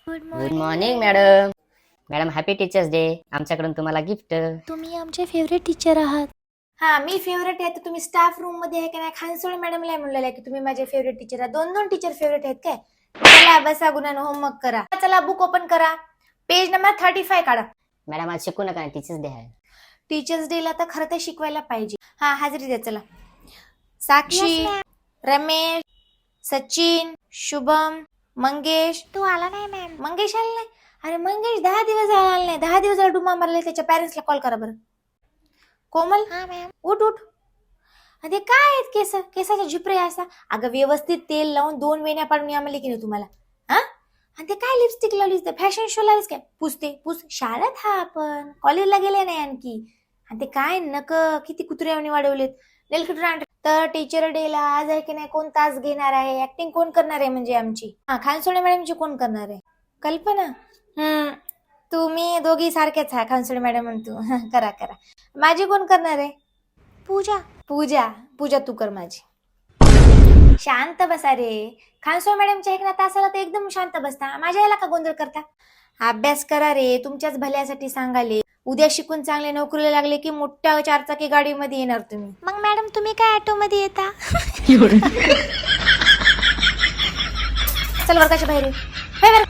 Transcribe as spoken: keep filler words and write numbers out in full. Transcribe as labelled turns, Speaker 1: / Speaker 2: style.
Speaker 1: Good
Speaker 2: good morning madam. Madam happy teachers day. आमच्याकडून तुम्हाला gift.
Speaker 1: तुम्ही आमचे फेवरेट टीचर आहात.
Speaker 3: हा मी फेवरेट आहे तर तुम्ही स्टाफ रूम मध्ये आहे का नाही खानसोळे मॅडमला म्हणलेलं आहे की तुम्ही माझे फेवरेट टीचर आहे. दोन दोन टीचर फेवरेट आहेत काय. चला बसा गुणानं होमवर्क करा. चला बुक ओपन करा. पेज नंबर थर्टी फाय काढा.
Speaker 2: मॅडम आज शिकू नका, टीचर्स डे आहे.
Speaker 3: टीचर्स डे ला तर खरं तर शिकवायला पाहिजे. हा हाजरी द्या चला. साक्षी, रमेश, सचिन, शुभम, मंगेश.
Speaker 1: तू आला नाही मॅम.
Speaker 3: मंगेश आला नाही. अरे मंगेश दहा दिवस आला नाही. दहा दिवस झाला डुमा मारले. त्याच्या पॅरेंट्सला कॉल करा बरं. कोमल
Speaker 1: हा मॅम.
Speaker 3: उठ उठ. अरे काय आहेत केस केसाच्या झिपरे असा. अगं व्यवस्थित तेल लावून दोन वेण्या पाडून आम्हाला की नाही तुम्हाला. हा आणि ते काय लिपस्टिक लावलीस तर फॅशन शो लावलीस काय. पुसते पुस. शाळेत हा आपण कॉलेजला गेले नाही आणखी. आणि ते काय नक किती कुत्र्यावणी वाढवलेत. नेलकटर. तर टीचर डे ला आज आहे की नाही कोण तास घेणार आहे. ऍक्टिंग कोण करणार आहे म्हणजे आमची. हा खानसोळे मॅडमची कोण करणार आहे. कल्पना. हम्म तुम्ही दोघी सारखेच आहे. खानसोळे मॅडम म्हणतो करा करा. माझी कोण करणार आहे.
Speaker 1: पूजा.
Speaker 3: पूजा. पूजा तू कर माझी. शांत बसा रे. खानसोळे मॅडमच्या ऐकण्यात तासाला तर एकदम शांत बसता. माझ्या याला का गोंधळ करता. अभ्यास करा रे. तुमच्याच भल्यासाठी सांगाले. उद्या शिकून चांगले नोकरीला लागले की मोठ्या चारचाकी गाडीमध्ये येणार तुम्ही.
Speaker 1: मग मॅडम तुम्ही काय ऑटो मध्ये येता.
Speaker 3: चल वर्गाच्या बाहेर ये.